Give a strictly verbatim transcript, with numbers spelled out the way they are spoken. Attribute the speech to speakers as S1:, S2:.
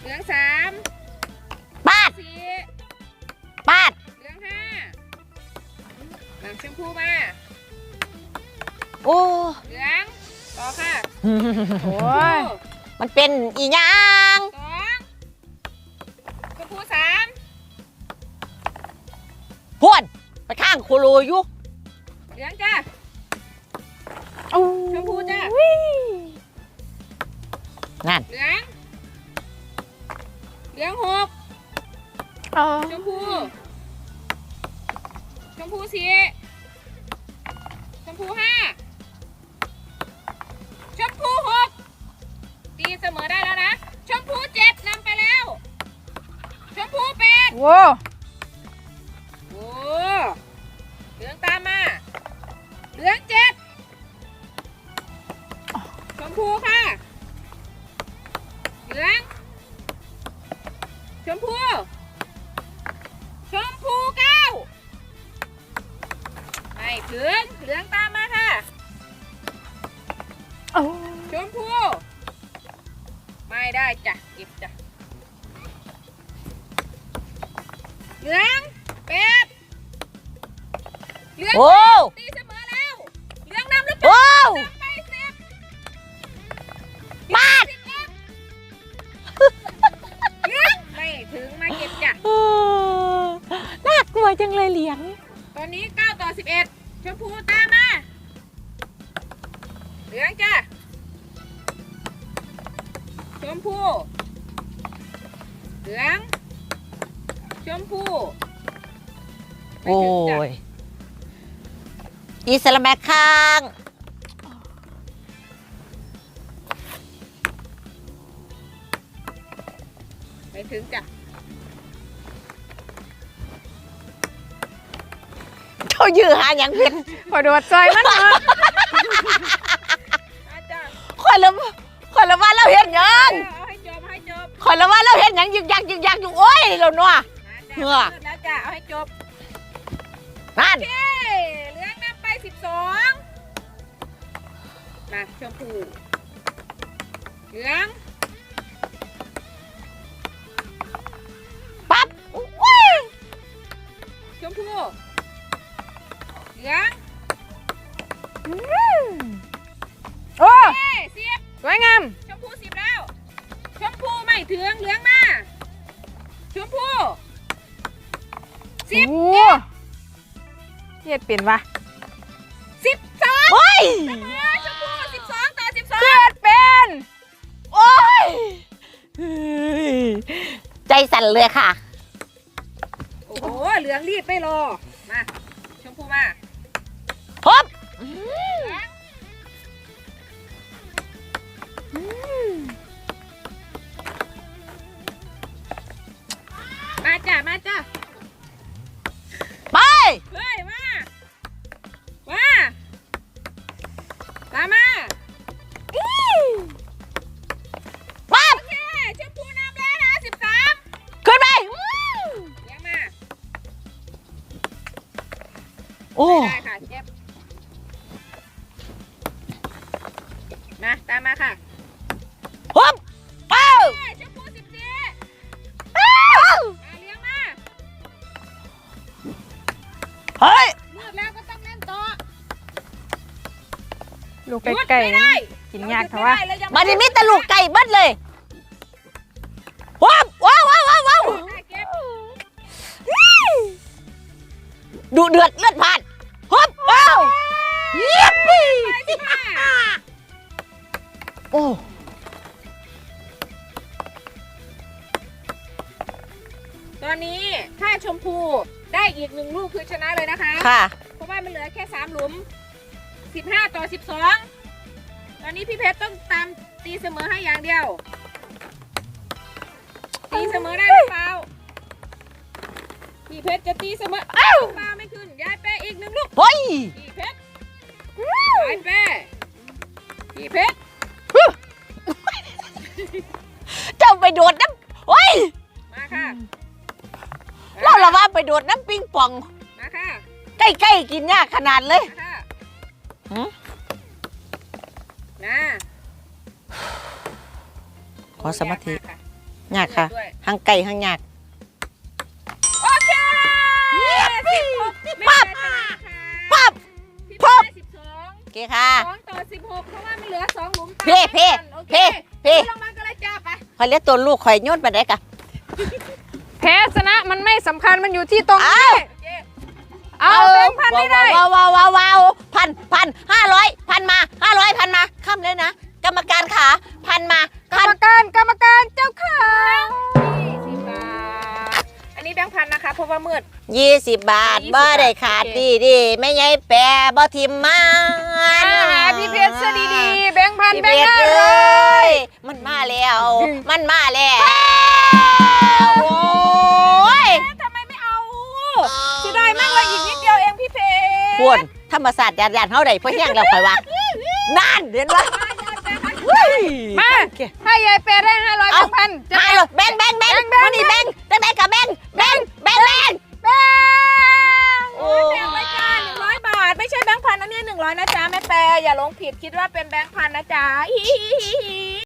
S1: ลืองสาม
S2: ปาด
S1: สี่
S2: ปาด
S1: เหลืองห้าหลังชมพูมา
S2: โอ้
S1: เหลืองต่อค่ะ
S2: โอ้ยมันเป็นอีหยัง
S1: สองชมพูสาม
S2: พวนไปข้างโคโลอยู่
S1: เหลืองจ้าชมพูจ้า
S2: นั่น
S1: เหลืองเหลืองหกชมพูชมพูสี่ชมพูห้าชมพูหกตีเสมอได้แล้วนะชมพูเจ็ดนำไปแล้วชมพูแปด
S3: โว้
S1: โอ้เหลืองตามมาเหลืองเจ็ดชมพูค่ะเหลืองชมพูชมพูเก้าไม่ถึงเหลืองตามมาค่ะชมพูไม่ได้จ้ะเก็บจ้ะเหลืองเป็ดเหลืองตีเสมอแล้วเหลืองนำหรือเปล่าไปสิบ
S2: ปาด
S1: เหลืองไม่ถึงมาเก็บจ้ะ
S2: น่ากลัวจังเลยเหลียง
S1: ตอนนี้เก้าต่อสิบเอ็ดชมพูตามมาเหลืองจ้ะชมพูเหลืองชมพู
S2: โอ้ยอีสลามแมคข้าง
S1: ไม่ถึงจ้ะ
S2: เขายื้อหาอย่างเป็น
S3: ขอโดดใจมันเถอะ
S2: คอยละคอยละว่าเราเห็นยัง
S1: เอาให้จบให้จบ
S2: คอยละว่าเราเห็นยังยึกยักยึกยักอยู่โอ้ยเราเนาะ
S1: เหงื่อแล้วจ้ะเอาให้จบ
S2: นั่น
S1: เหลืองนำไปสิบสองมาชมพูเหลือง
S2: ปั๊บ
S1: ชมพูเหลือง
S3: โอ้
S1: สิบ
S3: สวยงาม
S1: ชมพูสิบแล้วชมพูไม่ถึงเหลืองมาชมพูสิบ
S3: เฮ็ดเป็นวะ
S1: สิบสอง
S2: โอ้ย
S1: ชมพูสิบสองต่อสิบสอง
S3: เฮ็ดเป็น
S2: โอ้ยใจสั่นเลยค่ะ
S1: โอ้โหเหลืองรีบไม่รอมาชมพูมา
S2: พบ
S1: มาจ้ะมาจ้ะ
S2: ไป
S1: เฮ้ยมามาตามมา
S2: ปั๊บ
S1: โอเคชมพูนำแล้วนะสิบสาม
S2: ขึ้นไป
S1: เลี้ยงมา
S2: โอ้
S1: ได้ค่ะเจ็บมาตามมาค่ะ
S2: พบเป้า
S1: ชมพูสิบสี่เลี้ยงมา
S2: เฮ้ย
S1: มืดแล้วก็ต้องเล่นต่อ
S3: ลูกไก่ๆกินยากเถอะวะ
S2: มาดิมิตรลูกไก่เบิดเลยว้าวว้าวว้าวว้าวดูเดือดเลือดผ่านฮึบว้าวเยี่ยมปีโอ้
S1: ตอนนี้ถ้าชมพูได้อีกหนึ่งลูกคือชนะเลยนะคะ
S2: ค่ะ
S1: เพราะว่ามันเหลือแค่สามหลุมสิบห้าต่อสิบสองตอนนี้พี่เพชรต้องตามตีเสมอให้อย่างเดียวตีเสมอได้หรือเปล่าพี่เพชรจะตีเสมออ้าวปลาไม่ขึ้นยายแป้อีกหนึ่งลูก
S2: เฮ้ย
S1: พี่เพชรยายแป้พี่เพชร
S2: เจ้าไปโดดน้ำเฮ้ย
S1: มาค่ะ
S2: เราละว่าไปโดดน้ำปิงปอง
S1: มาค่ะ
S2: ใกล้ๆกินยากขนาดเลย
S1: นะ
S2: ขอสมาธิยากค่ะทั้งไก่ทั้งยาก
S1: โอเคสิบหก
S2: ปั๊บปั๊บ
S1: พี่
S2: ปั๊บ
S1: สิบสอง
S2: โอเคค่ะ
S1: สองต่อสิบหกเพราะว่ามันเหลือสองหลุม
S2: เพ่เพ่
S1: โอเค
S2: เพ่เพ่
S1: ลงมาก็เลยจ้าไป
S2: คอยเรียกตัวลูกคอยโยนไปได้กะ
S3: แพ้ชนะมันไม่สำคัญมันอยู่ที่ตรง
S2: เอา
S3: นี้
S1: โอเค
S3: เอาแบงค์พันไม่ได้
S2: ว้าวว้าวว้าวว้าวพันพันห้าร้อยพันมาห้าร้อยพันมาข้ามเลยนะ กรรมการขาพันมาก
S3: ร
S2: พั
S3: ร
S2: น
S3: มการกรรมการเจ้าค่ะ
S1: ยี่สิบบาทอันนี้แบงค์พันนะคะเพราะว่ามืด
S2: ยี่สิบบาท
S1: ยี่สิบ
S2: บ่ได้ขาด
S1: โอเค
S2: ดีดีไม่ใช่แปรบ่ทิมมา
S3: อ่าพี่เพชรซะดีๆแบงค์พัน
S2: พี่
S3: แบ
S2: เพ
S3: งค์
S2: ชร
S3: ห้า
S2: เล
S3: ร้อย
S2: ยมันมาแล้ว มันมาแล้วโอ้ย
S1: ทำไมไม่เอาเสียดายมากเลยอีกนิดเดียวเองพี่เพชร
S2: พวนธรรมศาสตร์ยานยานเท่าใดเพื่อแย่งเราไปวะนั่นเดือนวะ
S3: มา
S2: โอเค
S3: ให้ยายเปย์ได้ห้าร้อยแบ
S2: เอา
S3: งค์พันจะ
S2: มาเลยแบงแบงแบง
S3: แบงค์แบงค์
S2: วันนี้แบงแบงแบงกับแบงแบงแบงแบง
S3: แบงค์
S2: โอ้
S1: แบงค์ไว้จ้าหนึ่งร้อยบาท ไม่ใช่แบงค์พันนะเนี่ยหนึ่งร้อยนะจ๊ะแม่แปรอย่าหลงผิดคิดว่าเป็นแบงค์พันนะจ๊ะฮิฮิฮิฮิ